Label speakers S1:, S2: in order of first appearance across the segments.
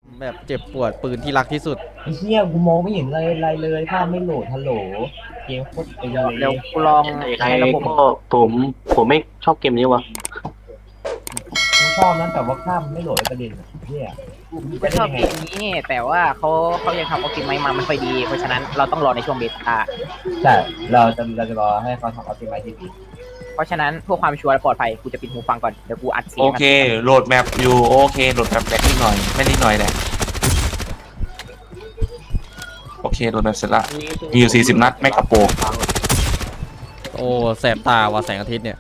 S1: แบบเจ็บปวดปืนที่รักที่สุด
S2: ไอ้เหี้ยกูมองไม่เห็นอะไรเลยภาพไม่โหลดฮัลโหลเกมโคตรตึงเล
S3: เดี๋ยว
S2: ย
S3: กูลอง
S4: ยังไง
S3: ใช้ระบบ
S4: ก็ผมผมไม่ชอบเกมนี้วะ
S2: กูชอบนะแต่ว่าภาพมันไม่โหลดไอ้ประเด็นอะเหี้ย
S3: กู
S2: จะได้
S3: ชอบ
S2: ยังไง
S3: เกมนี้แต่ว่าเขายังทำออปติไมซ์มาไม่ค่อยดีเพราะฉะนั้นเราต้องรอในช่วงเบต้า
S2: ใช่เราจะรอให้เขาทำออปติไมซ์ที่ดี
S3: เพราะฉะนั้นเพื่อความชัวร์และปลอดภัยกูจะปิดหูฟังก่อนเดี๋ยวกูอัดเสีย
S4: โอง เคโหลดแมปอยู่โอเคโหลดแมปแรกนิดหน่อยไม่นิดหน่อยแหละโอเคโหลดแมปเสร็จละมีอยู่40 นัดไม่กระโปง
S1: โอ้แสบตาว่ะแสงอาทิตย์เนี่ย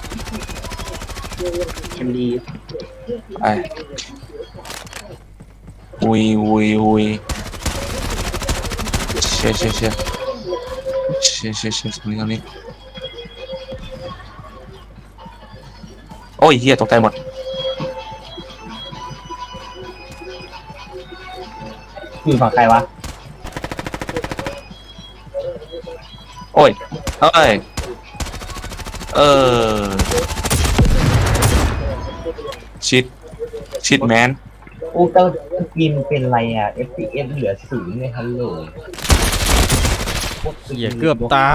S4: เกมดีไปอุยเชี่ยตรงนี้โอ้ยเฮียตกใจหมด
S2: อยู่ฝั่งใครวะ
S4: โอ้ยเอ้ยเออชิดแมน
S2: อูเตอร์กินเป็นไรอ่ะ FPS เหลือ0เลยฮัลโหล
S1: เหี้ยเกือบตาย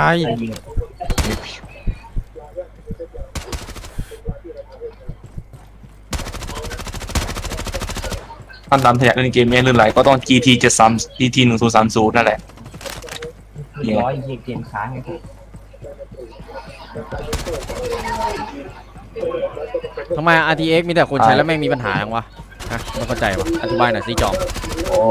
S4: ท่านตามทะยานในเกมนี้ลื่นไหลก็ต้อง GT 1030นั่นแหละ
S2: ร้อยเกมค้างไงผม
S1: ทำไม RTX มีแต่คนใช้แล้วแม่งมีปัญหาอย่างวะฮะไม่เข้าใจวะอธิบายหน่อยสิจอม
S2: โอ้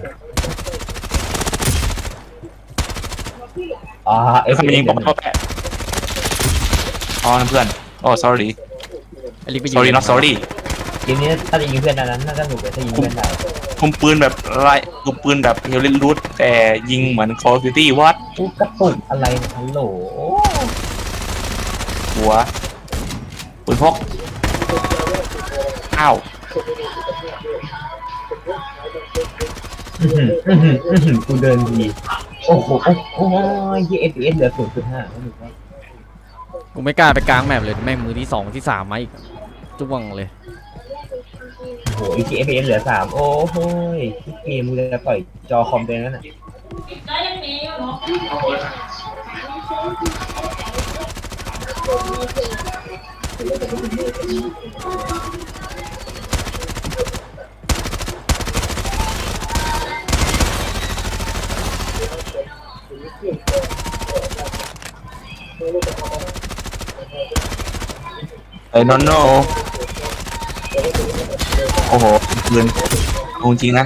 S4: เอ้ยคำยิงผมเข้าแปะอ๋อเพื่อนโอ้ sorry
S1: ไอ้ลิกไปยิง
S4: sorry not sorry
S2: เกมนี้ถ้าจะยิงเพื่อนนั้นน่าจะหนุกเลยถ้ายิงเพื่อนได้
S4: คุมปืนแบบไรคุมปืนแบบเฮลเลนรูทแต่ยิงเหมือน Call of Duty วัด
S2: กูกระตุกอะไรเนี่ยฮัลโหล
S4: หัวปืนพกอ้าว
S2: กูเดินดีโอ้โหโอ้ยยี่ FPS เหลือ0.5แล้วมึง
S1: กูไม่กล้าไปกลางแมปเลยแม่งมือที่2ที่3มาอีกจ้วงเลย
S2: โอ้โหอีก FPS เหลือ3โอ้โหที่เกมมึงจะปล่อยจอคอมเดนนั่นน่ะ
S4: ไอ้นอนโนโอ้โหปืนเอาจริงนะ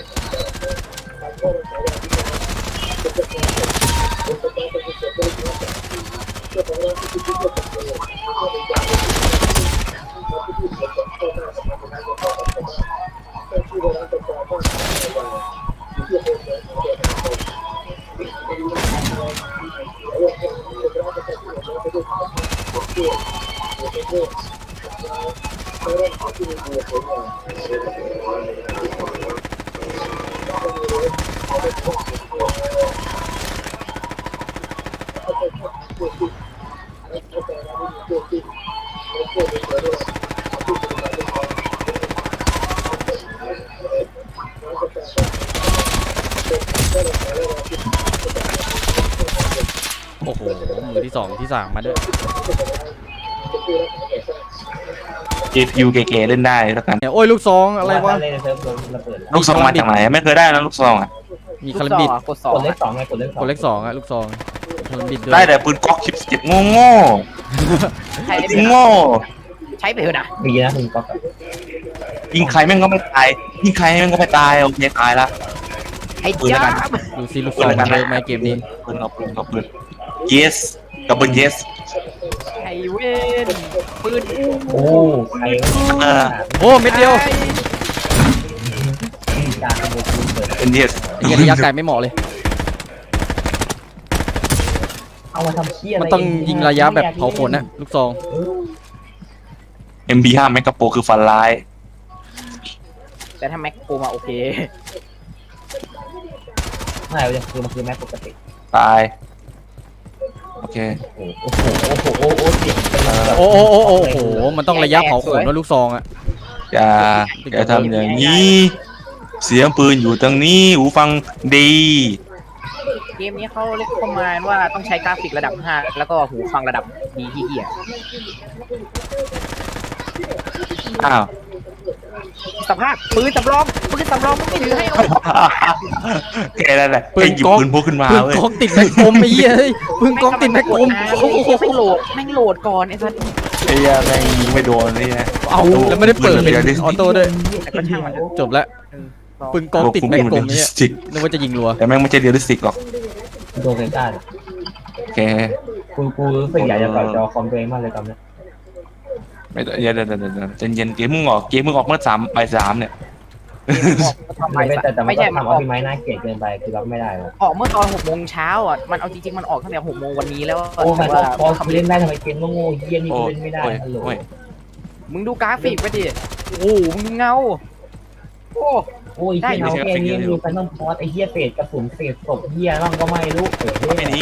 S1: โอ้โหมือที่2ที่3มาด้วย
S4: GPU เก๋ๆเล่นได้แล้วกัน
S1: เนี่ยโอ้ยลูกซองอะไรวะ
S2: เล่นในเซิร์ฟโดนระเบิดแล้ว
S4: ลูกซองมาจากไหนไม่เคยได้นะลูกซองอ่ะ
S1: มีคาร์บิด
S3: กดสอก
S2: ดเลข2ไงกดเลข2
S1: กดเลข2อะลูกซองคาร์บิดด้วย
S4: ได้แต่ปืนก๊อก17โง่
S3: ใช้ได้
S4: ๆ
S3: ไหม
S4: โง่
S3: ใช้ไปเถอะนะ
S2: ดีนะคุณก๊อฟ
S4: ยิงใครแม่งก็ไม่ตายยิงใครแม่งก็ไม่ตายโอเคตายละ
S3: ไอ้
S4: ปืนแล้ว
S3: จ้า
S4: กัน
S1: ดูซิลูกซองมันเวิร์กไหมเกมนี้
S4: ปืนเอาปืน yes กับปืน yes
S3: ไอ้เว้นปืนอู้
S2: โอ้ใคร
S1: โอ้เม็ดเดียว
S2: การขโมยปืนเปิด
S4: เป็น yes
S1: ไอ้เหี้ยระยะไกลไม่เหมาะเลย
S2: เอามาทำเชี่ยอะไร
S1: มันต้องยิงระยะแบบเผาขนนะลูกซอง
S4: MB5 แมกกาโปคือฟันร้าย
S3: แต่ถ้าแม็กโคมาโอเค
S2: ไม่เลยคือมันคือแม็กปกติ
S4: ตายโอเค
S2: โอ้โหโอ้โหเสียงเป็นแบบ
S1: โอ้โหมันต้องระยะเผาขนว่าลูกซองอะ
S4: อย่าทำอย่างนี้เสียงปืนอยู่ตรงนี้หูฟังดี
S3: เกมนี้เขาเรียกประมาณว่าต้องใช้กราฟิกระดับ 5 แล้วก็หูฟังระดับดีที่เหี้ย
S4: อ้าว
S3: สภาพปืนสำรองมึงไม่ถือให้เอา
S4: แค่นั้นแหละ
S1: ปืน
S4: ให้หยิบ
S1: ก๊อก
S4: ปืนพกขึ้นมา
S1: ปืน
S4: เว้ย
S1: ก๊อกติดแม็กกลมไอ้เหี้ยเฮ้ยปืนก๊อกติดแม็กกลมโอ้โห
S3: แม่งโหลดก่อนไอ้สัส
S4: ไอ้เหี้ยแม่งยิงไม่โดนนี่นะ
S1: เอาแล้วไม่ได้เปิดเป็นออโต้ด้วย
S3: แต่ก็ช่างมันเถอะ
S1: จบแล้วปืนก๊อกติดแม็กกลม
S4: เรี
S1: เนี่ย
S4: ยลลิสติก
S1: นึกว่าจะยิงรัว
S4: แต่แม่งไม่ใช่เรียลลิสติกหรอก
S2: โดนกันได้
S4: โอเค
S2: กูรู้สึกอยากจะต่อยจอคอมตัวเองมากเลยตอนนี้
S4: ไม่ต้องเดี๋ยวใจเย็นเกมมึงออกเมื่อ3 บ่าย 3เนี่ย
S3: ไม่ใช่มัน
S2: ทำ
S3: อ
S2: เอา
S3: อก
S2: พี่ไม้น่าเกลียดเกินไปคือรับไม่ได้หรอก
S3: ออกเมื่อตอน6 โมงเช้าอ่ะมันเอาจริงๆมันออกตั้งแต่6 โมงวันนี้แล้ว
S2: โอ้
S3: แต่
S2: ย
S3: ว่า
S2: พอเล่นได้ทำไมเกมโง่เยี่ยนี่
S4: โอ้
S2: เล่นไม่ได้
S4: โอ้ย
S2: ฮัลโหล
S4: โอ้ย
S3: มึงดูกราฟิกไปดิโอ้โหมึงดูเงาโอ้
S2: โอ้ยที่เราแค่นี้มีแฟนต้องพอสไอ้เหี้ยเศษกระสุนเศษศพเหี้ยบ้างก็ไม่รู้เอ้ย
S4: ไอ้ห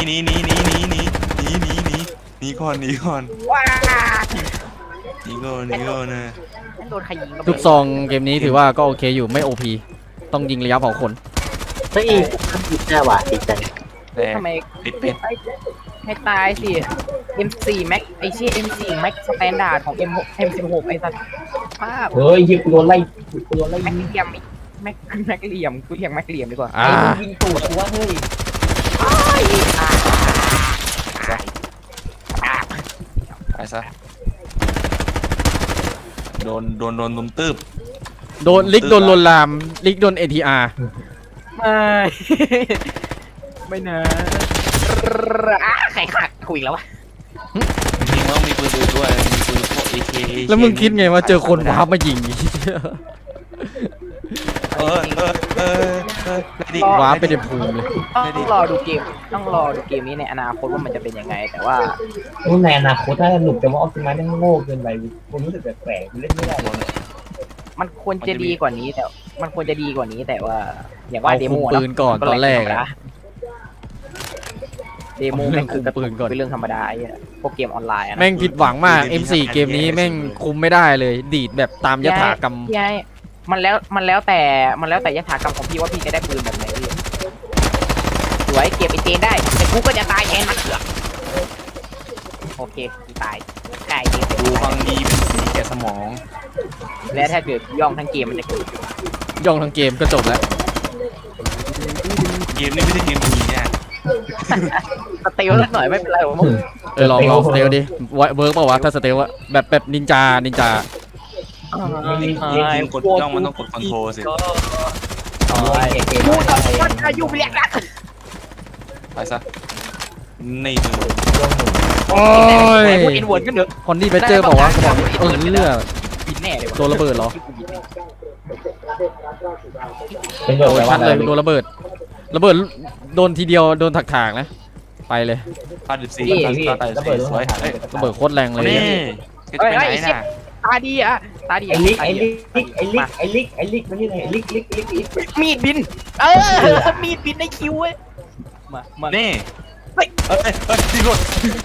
S4: นีก่อนหนีก่อน
S3: ว้า
S4: หนีก่อนนะ
S3: นั่นโดนใครยิง
S1: ลูกซองเกมนี้ถือว่าก็โอเคอยู่ไม่โอพีต้องยิงระยะเผาขน
S5: เฮ้ยผิดได้ว่ะดีจัง
S4: แต่
S3: ทำไม
S4: ติดเป็ด
S3: ให้ตายสิ M4 Max ไอ้เชี่ย M4 Max สแตนดาร์ดของ M16 ไอ้สัสภาพ
S2: เฮ้ยยิงกูโดนไล่กูโดนไล่
S3: แม็ก
S2: ยิง
S3: เหลี่ยมแม็กเหลี่ยมกูเรียกแม็กเหลี่ยมดีกว่า
S1: อ่า
S2: ยิงตูดกูว่าเฮ้ย
S4: ไปซะโดนลุมตืบ
S1: โดนลิกโดนลวนลามลิกโดน ATR
S3: ไม่นะใครขาดคุยแล้ววะ
S4: จริงแล้วมีปืนอื่นด้วยมีปืนพวก AK
S1: แล้วมึงคิดไงว่าเจอคนวาร์ปมายิง วาร์ปไปในภูมิเลย
S3: ต้องรอดูเกมนี้ในอนาคตว่ามันจะเป็นยังไง แต่ว่า
S2: ในอนาคตถ้าสนุกแต่ว่าออฟติมัสแม่งโง่เกินไปกูรู้สึกแปลกๆกูเล่นไม่ได้เลย
S3: มันควรจะดีกว่านี้แต่ว่า อย่างว่า
S1: เอา
S3: เด
S1: คุ
S3: โม
S1: มปืนก่อนตอนแรกอะ
S3: เดโม
S1: เอาเรื่
S3: แม่
S1: อง
S3: งคือกระ
S1: คุมปืนก่อน
S3: เป็นเรื่องธรรมดาไอ้พวกเกมออนไลน์อะนะ
S1: แม่งผิดหวังมาก M4 เกมนี้แม่งคุมไม่ได้เลย ดีดแบบตามยถากรรม
S3: พี่ไอ้มันแล้วแต่ยถากรรมของพี่ว่าพี่จะได้ปืนแบบไหนพี่สวยเก็บไอเจนได้แต่กูก็จะตายแทนมันเถอะโอเคกูตายได้เกม
S4: ดูฟังดีเป็นสีแก่สมอง
S3: และถ้าเกิดย่องทั้งเกมมันจะเกิด
S1: ย่องทั้งเกมก็จบแล้ว
S4: เกมนี้ไม่ใช่เกมผีเนี่ย
S3: สเตลสักหน่อยไม่เป็นไรผม
S1: ลองสเตลดิเวิร์กเปล่าวะถ้าสเตลอะแบบนินจา
S4: จริงกดย่องมันต้องกดคอนโทรลสิ
S3: กูต้องอายุเรียกรัก
S4: ไปซะนี่คือ
S1: โอ้ย
S3: พวกอินเวิร์ดกันเถอะ
S1: คนที่ไปเจอบอกว่าเขาบอกเลือด
S3: บินแน่เลย
S1: โดนระเบิดเหรอ
S2: เป็นแบ
S1: โด
S2: บ
S1: น
S2: ว่า
S1: ชัด
S2: อะไร
S1: เลยโดนระเบิดโดนทีเดียวโดนถากๆนะ ไปเลย
S4: พาด14ก็ตายสวยเอ้ย
S1: ระเบิดโคตรแรงเลย
S4: นี่จะไปไหนน่ะ
S3: ตาดีอะตาดี
S2: ไอ้ลิกมันนี่ไงลิก
S3: มีดบินมีดบินในคิวเว้ยมา
S4: นี่ที่รถ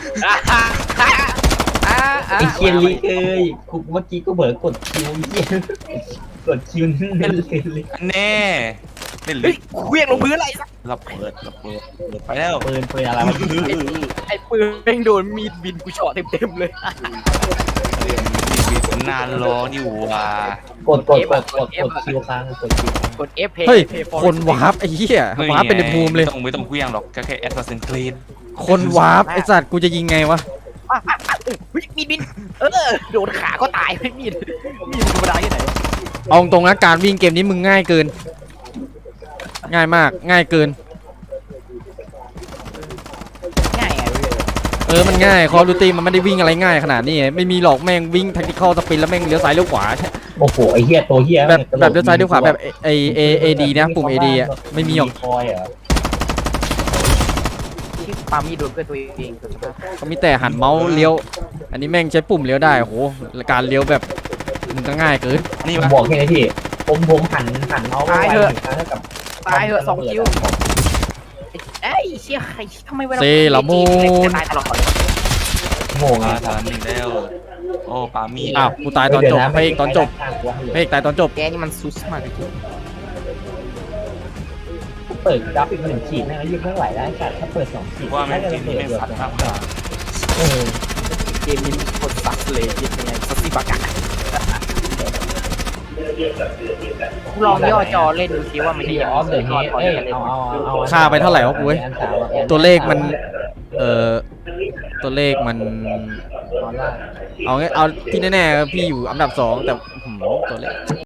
S2: ไอ้เคียนลิกเอ้ยกูเมื่อกี้ก็เบิร์กดคิวเยี่ยกดคิวนั่นเลย
S4: แน่เล่นเล
S3: เฮ้
S4: ย
S3: ยเครื่องลงพื้นอะไรสัก
S4: ระเบิดไปแล้ว
S2: ปืนอะไรวะ
S3: ไอ้ปืนแม่งโดนมีดบินกูเฉาะเต็มเลย
S4: มีนานรออยู่ว่ะ
S2: กดคิวค้างกดคิว
S3: กด F
S1: เฮ้ยคนวาร์ปไอ้เหี้ยวาร์ปเป็นในภูมิเลย
S4: ไม่ต้องเคลี้ยงหรอกแค่แอสซัสซินครีด
S1: คนวาร์ปไอ้สัตว์กูจะยิงไงวะ
S3: มีดบินโดนขาก็ตายไม่มีดธรรมดาที่ไหน
S1: เอาตรงนะการวิ่งเกมนี้มึงง่ายเกิน ง่ายมากง่ายเกิน
S3: ง่ายไง
S1: มันง่ายคอร์ดูตีมันไม่ได้วิ่งอะไรง่ายขนาดนี้ไม่มีหรอกแม่งวิ่งแท็กติคอลสปินแล้วแม่งเลี้ยวซ้ายเลี้ยวขวา
S2: โอ้โหไอ้เหี้ยตัวเหี้ย
S1: แบบเลี้ยวซ้ายเลี้ยวขวาแบบเอดีนะปุ่มเอดีอ่ะไม่มีหรอก
S2: คอยเหรอ
S3: ที่ปามีดโดนเพื่อนตัวเอง
S1: เขามีแต่หันเมาส์เลี้ยว อันนี้แม่งใช้ปุ่มเลี้ยวได้โอ้โหการเลี้ยวแบบมึงก็ง่ายเกิน
S4: นี่
S2: ผม
S4: วะ
S2: บอกแค่นี้พี่ผมหันเมาส์ไปเท่ากับ
S3: ตายเหอะ2 คิวเอ้ยเชี่ยใครทำไมเวลาตายตลอด
S2: โง่ไง
S4: ตอนนี้แล้วโอ้ปามี
S1: อ้าวกูตายตอนจบพระเอกตอนจบพระเอกตายตอนจบ
S3: แกนี่มันซุสมากจริง
S2: เปิดกราฟิก1 ขีดแม่งก็ยืดไม่ไหวแล้วไอ้สัตว์ถ้าเปิด2 ขีด
S4: ว่าแม่ง
S2: น่า
S4: เก
S2: จะ
S4: ม
S2: เปิ
S4: นี้
S2: ด
S4: แม่ง
S2: เดือด
S4: สัตว์
S2: ก
S4: มาก
S2: ว่าเออ
S3: เกมนี้โคตรซักเลยยังไงซักซี่ปากกาลองย่อจอเล่นดูซิว่ามันจะ
S2: ที่
S3: ยัง
S2: ออฟเดอะเฮด
S3: พอ
S2: เอ้ย
S3: จะเล่น
S2: เอา
S1: ค่าไปเท่าไหร่วะกูเว้ย
S2: อันสามอะ
S1: ตัวเลขมันตัวเลขมัน
S2: ออนไลน์
S1: เอาที่แน่ๆพี่อยู่อันดับ 2แต่ตัวเลข